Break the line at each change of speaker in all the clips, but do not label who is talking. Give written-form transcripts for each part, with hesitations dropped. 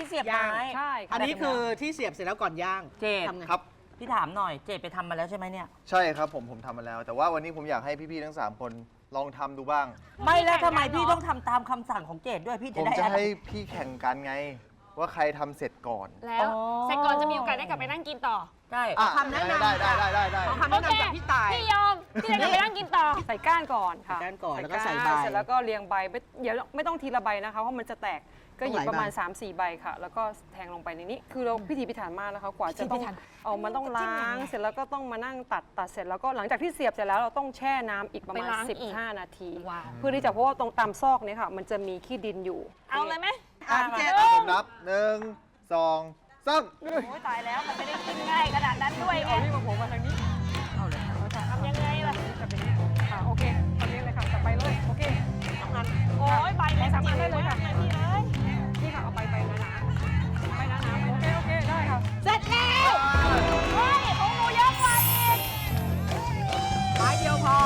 ที่เสียบไม้
ใช่
อันนี้คือที่เสียบเสร็จแล้วก่อนย่าง
เจด
ทำไง
ครับ
พี่ถามหน่อยเจดไปทำมาแล้วใช่ไหมเนี่ย
ใช่ครับผมทำมาแล้ว แต่ว่าวันนี้ผมอยากให้พี่ๆทั้ง 3 คนลองทำดูบ้าง
ไม่แล้วทำไมพี่ต้องทำตามคำสั่งของเจดด้วยพี่
ผ
จะ
ม
ได้
จะ
อะไร
ให้พี่แข่งกันไง ว่าใครทำเสร็จก่อน
แล้วเสร็จก่อนจะมีโอกาสได้กลับไปนั่งกินต่อ
ใช่
คำแนะนำ
ได้
เอาคำแนะนำจากพี่ตาย
พี่ยอมพี่จะกลับไปนั่งกินต่อ
ใส่ก้านก่อนค่ะ
ใส่ก้านก่อนแล้วก็ใส่ใบ
เสร็จแล้วก็เรียงใบเดี๋ยวไม่ต้องทีละใบนะคะเพราะมันจะแตกก็หยิบประมาณ
ต้องหลายใบ
3-4 ใบค่ะ แล้วก็แทงลงไปในนี้คือเราพิถีพิถันมากนะคะกว่าจะต้องเอามันต้องล้างเสร็จแล้วก็ต้องมานั่งตัดเสร็จแล้วก็หลังจากที่เสียบเสร็จแล้วเราต้องแช่น้ำอีกประมาณ
ไปล้างอีก
15 นาที
ว้าว
เพื่อที่จะเพราะว่าตรงตามซอกเนี่ยค่ะ มันจะมีขี้ดินอยู่
เอาเลยไหม
พี่เจด
ผมนับ 1 2 3
โอ้ยตายแล้วมันไม่ได้กินง่ายขนาดนั้นด้วยไง
เอานี่มาโผล่มาทางนี้
ทำยังไงล่ะ
จะเป็นอย่างนี้ค่ะโอเคตอนนี้เลยค่ะจับไปเลยโอเค
โอ้ยใบเล็ก
สามารถได้เลยค่ะ
มากพี่เอ้ย
นี่ค่ะเอาไปหนาๆไปหนาๆโอเคได้ค่ะ
เสร็จแล้วเฮ้ยของหนูเยอะกว่าอีก
ไม้เดียวพอ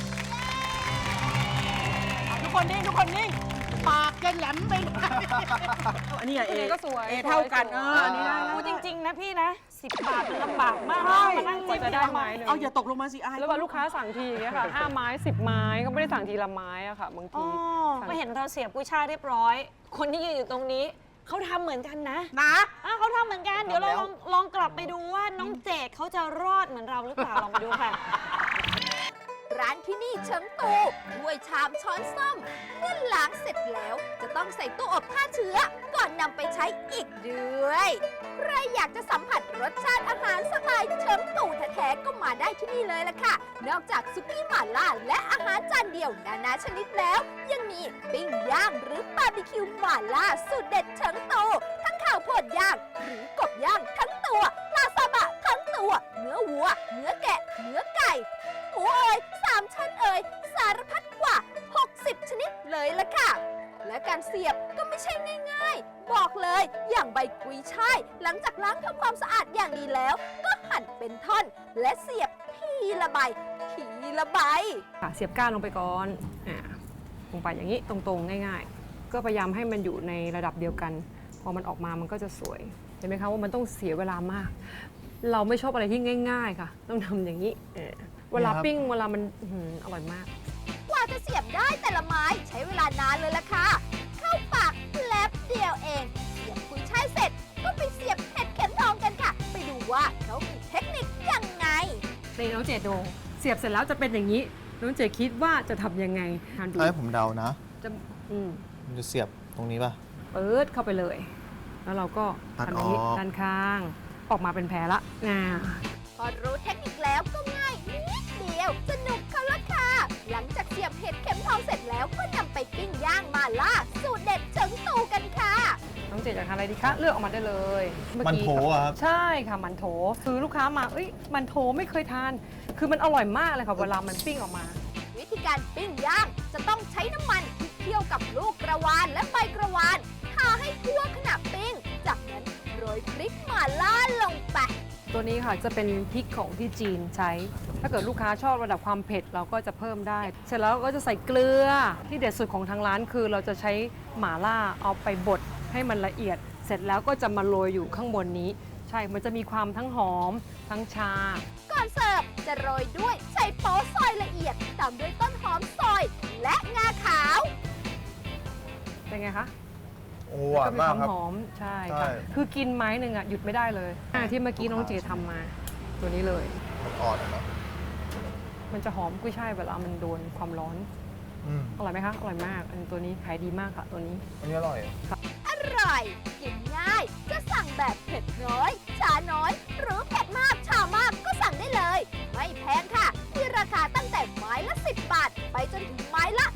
ทุกคนนิ่งทุกคนนิ่งปากจะแหลมไปอันนี้เอ
ก็สวย
เอเท่ากัน
สวย
อันนี้ได้
พูดจริง ๆ นะพี่นะ10 บาทมันลำบากมาก
ใช่
มานั่ง
กว่าจะได้ไม้หนึ่ง
เอาอย่าตกลงมาสิอาย
แล้วว่าลูกค้าสั่งทีอย่างเงี้ยค่ะ5 ไม้ 10 ไม้ก็ไม่ได้สั่งทีละไม้อะค่ะบาง
อ๋
ที
อก็เห็นเราเสียบกุ้ยช่ายเรียบร้อย คนที่ยืนอยู่ตรงนี้เขาทำเหมือนกันนะ
นะ
เขาทำเหมือนกัน เดี๋ยวเราลองกลับไปดูว่าน้องเจดเขาจะรอดเหมือนเราหรือเปล่า ลองไปดูค่ะ
ร้านที่นี่เฉิงตูถ้วยชามช้อนส้อมเมื่อล้างเสร็จแล้วจะต้องใส่ตู้อบฆ่าเชื้อ ก่อนนำไปใช้อีกด้วยใครอยากจะสัมผัสรสชาติอาหารสไตล์เฉิงตูแท้ๆก็มาได้ที่นี่เลยล่ะค่ะ นอกจากซุกี้หม่าล่าและอาหารจานเดียวนานาชนิดแล้ว ยังมีปิ้งย่างหรือบาร์บีคิวหม่าล่าสูตรเด็ดเฉิงตูทั้งข้าวโพดย่างหรือกบย่างทั้งตัวปลาซาบะทั้งตัว เนื้อวัว เนื้อแกะ เนื้อไก่ หมูเอ่ย3 ชั้นเอ่ยสารพัดกว่า 60 ชนิดเลยล่ะค่ะ และการเสียบก็ไม่ใช่ง่ายๆ บอกเลยอย่างใบกุยช่ายหลังจากล้างทำความสะอาดอย่างดีแล้ว ก็หั่นเป็นท่อน และเสียบทีละใบทีละใบ
ค่ะเสียบก้านลงไปก่อนลงไปอย่างนี้ตรงๆง่ายๆ ก็พยายามให้มันอยู่ในระดับเดียวกัน พอมันออกมามันก็จะสวยเห็นไหมคะว่ามันต้องเสียเวลามาก เราไม่ชอบอะไรที่ง่ายๆค่ะต้องทำอย่างนี้เวลาปิ้งเวลามันอร่อยมาก
กว่าจะเสียบได้แต่ละไม้ใช้เวลานานเลยล่ะค่ะ เข้าปากแป๊บเดียวเอง เสียบกุยช่ายเสร็จ ก็ไปเสียบเห็ดเข็มทองกันค่ะ ไปดูว่าเขามีเทคนิคยังไง
ในน้องเจดดูเสียบเสร็จแล้วจะเป็นอย่างนี้ น้องเจดคิดว่าจะทำยังไงทานดู
ให้ผมเดานะ
จะ
มันจะเสียบตรงนี้ป่ะ
เปิดเข้าไปเลย แล้วเราก็
ตัด
ทำอย่างนี้
ออก
ด้านข้างออกมาเป็นแผลละ
พอรู้เทคนิคแล้วก็ง่ายนิดเดียวสนุกเขาละค่ะ หลังจากเสียบเห็ดเข็มทองเสร็จแล้วก็นำไปปิ้งย่างมาล่าสูตรเด็ดเฉิงตูกันค่ะ
น้องเจดอยากทานอะไรดีคะเลือกออกมาได้เลยเอ
มัน
กี้
โถอะครับ
ใช่ค่ะมันโถคือลูกค้ามามันโถไม่เคยทาน คือมันอร่อยมากเลยค่ะเวลามันปิ้งออกมา
วิธีการปิ้งย่างจะต้องใช้น้ำมันที่เคี่ยวกับลูกกระวานและใบกระวานทาให้ทั่วขณะปิ้ง จากนั้นโรยพริกหม่าล่าลงไป
ตัวนี้ค่ะจะเป็นพริกของที่จีนใช้ ถ้าเกิดลูกค้าชอบระดับความเผ็ดเราก็จะเพิ่มได้ เสร็จแล้วก็จะใส่เกลือที่เด็ดสุดของทางร้านคือเราจะใช้หม่าล่าเอาไปบดให้มันละเอียด เสร็จแล้วก็จะมาโรยอยู่ข้างบนนี้ ใช่มันจะมีความทั้งหอมทั้งชา
ก่อนเสิร์ฟจะโรยด้วยไชโป๊ซอยละเอียดตามด้วยต้นหอมซอย และงาขาว
เป็นไงคะ
โอ้หวานมากครับ
หอมใช่
ใช่
ค่ะคือกินไม้หนึ่งอ่ะหยุดไม่ได้เลยที่เมื่อกี้น้องเจทำมา ตัวนี้เลย
อ่อนๆอะเนาะ
มันจะหอมกุ้ยช่ายเวลามันโดนความร้อน
อืม
อร่อยไหมคะอร่อยมากอันตัวนี้ขายดีมากค่ะตัวนี้
อันนี้อร่อย
อร่อย กินง่าย จะสั่งแบบเผ็ดน้อย ชาน้อย หรือเผ็ดมาก ชามากก็สั่งได้เลย ไม่แพงค่ะ ที่ราคาตั้งแต่ไม้ละ 10 บาท ไปจนถึงไม้ละ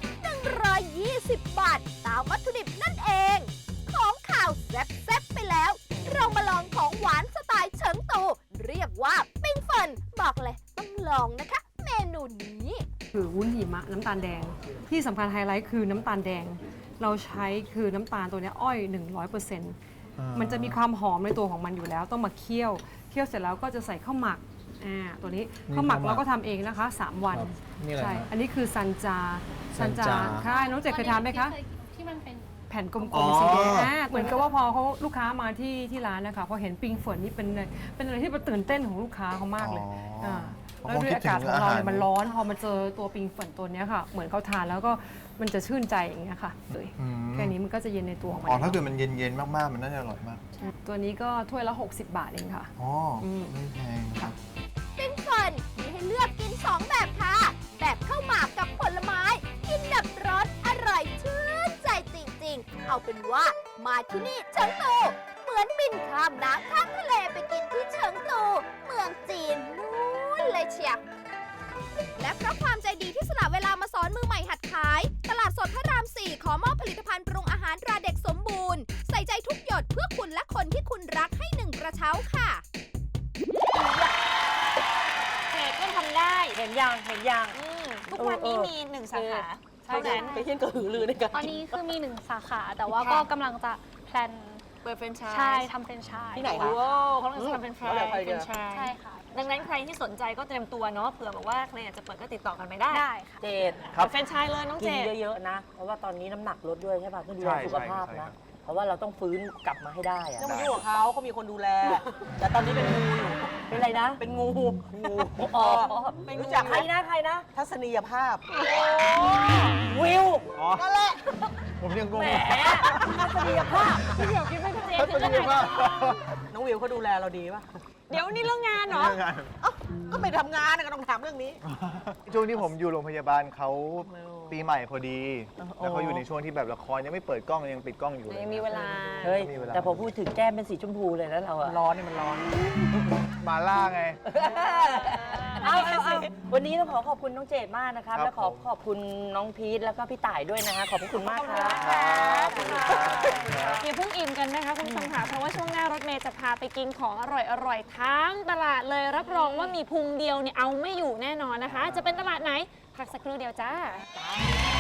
120 บาท ตามวัตถุดิบนั่นเอง ของข่าวแซ่บๆไปแล้ว เรามาลองของหวานสไตล์เฉิงตู เรียกว่าปิ้งเฟินบอกเลยต้องลองนะคะ เมนูนี้
คือวุ้นหิมะน้ำตาลแดง ที่สำคัญไฮไลท์คือน้ำตาลแดง เราใช้คือน้ำตาลตัวเนี้ยอ้อย 100%มันจะมีความหอมในตัวของมันอยู่แล้ว ต้องมาเคี่ยวเสร็จแล้วก็จะใส่ข้าวหมักตัวนี้ข้าวหมักเราก็ทำเองนะคะ 3 วัน
นี่อะไร
ใช่
ครับ
อันนี้คือซันจา
ซันจา
ใช่น้องเจดเคยทานไหมคะ
ที่มันเป็น
แผ่นกล
อ๋อ
มๆสีแดงเหมือนกับว่าพอเขาลูกค้ามาที่ร้านนะคะพอเห็นปิงเฟิร์นนี่เป็นอะไรที่ตื่นเต้นของลูกค้าเขามากเลย
อ๋อ
แล้วด้วยอากาศของเราเนี่ยมันร้อนพอมาเจอตัวปิงเฟิร์นตัวเนี้ยค่ะ เหมือนเขาทานแล้วก็มันจะชื่นใจอย่างเงี้ยค่ะเลย
อืม
แค่นี้มันก็จะเย็นในตัวของมัน
อ๋อถ้าเกิดมันเย็นๆมากๆมันน่าจะอร่อยมาก
ตัวนี้ก็ถ้วยละ60 บาทเองค่ะ
อ๋ออ
ม
ไม่แพงครับ
ปิ้งเฟิร์นมีให้เลือกกิน 2 แบบค่ะ แบบข้าวหมากกับผลไม้ กินแบบร้อนอร่อยชื่นใจจริงๆ เอาเป็นว่ามาที่นี่เฉิงตู เหมือนบินข้ามน้ำข้ามทะเลไปกินที่เฉิงตู เมืองจีนนู้นเลยเชียวและเพราะความใจดีที่สละเวลามาสอนมือใหม่หัดขาย ตลาดสดพระราม 4 ขอมอบผลิตภัณฑ์ปรุงอาหารตราเด็กสมบูรณ์ ใส่ใจทุกหยดเพื่อคุณและคนที่คุณรักให้1 กระเช้าค่ะ
เด็กก็ทำได้
เห็นยังเห็นยัง
ทุกวันนี้มี1 สาขา
ใช่นั้นไปเที่ยงกระหือรือในการ
ตอนนี้คือมี1 สาขา แต่ว่า
ค่ะ
ก็กำลังจะแพลน
เปิดแฟรนไชส์
ใช่ทำเป็นไชาย
ที่ไหนคะ
โอ้เขากำลังจะทำเป็นแฟรน
อะไร
ไช
กัน
ส์
ใช่ค่ะ
ดังนั้นใครที่สนใจก็เตรียมตัวเนาะเผื่อแบบว่าใครอยากจะเปิดก็ติดต่อกันไปได้
ได้ค่ะ
เจด
เปิดแฟรนไชส์เลยน้อง
กิ
เจ
น
ด
เยอะๆนะ เพราะว่าตอนนี้น้ำหนักลดด้วยใช่ป่ะเพื่อดูแล
ใช่
สุขภาพ
ใช่
นะ
ครับ
เพราะว่าเราต้องฟื้นกลับมาให้ได้อะ
ต้องมายุ่งกับเขาเขามีคนดูแล แต่ตอนนี้เป็นงูอยู่
เป็นไรนะ
เป็นงู
งูอ๋อ
เป็นงู
รู้จักใครนะใครนะ
ทัศนียภาพ
วิว
อ๋อ
นั่นแหละ
ผมยังงง
แหมทัศนียภาพ
เดี๋ยวคิดว่าเจ
ทัศนียภาพ
น้องวิวเขาดูแลเราดีป่ะ
เดี๋ยวนี่เรื่องงานเหรอ
เอ้าก็ไปทำงานนะก็ต้องถามเรื่องนี้
ช่วงที่ผมอยู่โรงพยาบาลเขาปีใหม่พอดี แล้วเขาอยู่ในช่วงที่แบบละครยังไม่เปิดกล้องยังปิดกล้องอยู่เลย
ยังมีเวลา
เฮ้ย
มีเวลา
แต่พอพูดถึงแก้มเป็นสีชมพูเลยแล้วเราอะ
ร้อนนี่มันร้อน
มาล่าไง
เอาวันนี้ต้องขอบคุณน้องเจดมากนะครับ
ครับ
และขอบคุณน้องพีทแล้วก็พี่ต่ายด้วยนะฮะขอบพระคุณมากครับ
ครับขอบคุณครับ
อย่าเพิ่งอิ่มกันนะคะคุณผู้ชมค่ะเพราะว่าช่วงหน้ารถเมย์จะพาไปกินของอร่อยๆทั้งตลาดเลยรับรองว่ามีพุงเดียวเนี่ยเอาไม่อยู่แน่นอนนะคะ จะเป็นตลาดไหนพักสักครู่เดียวจ้า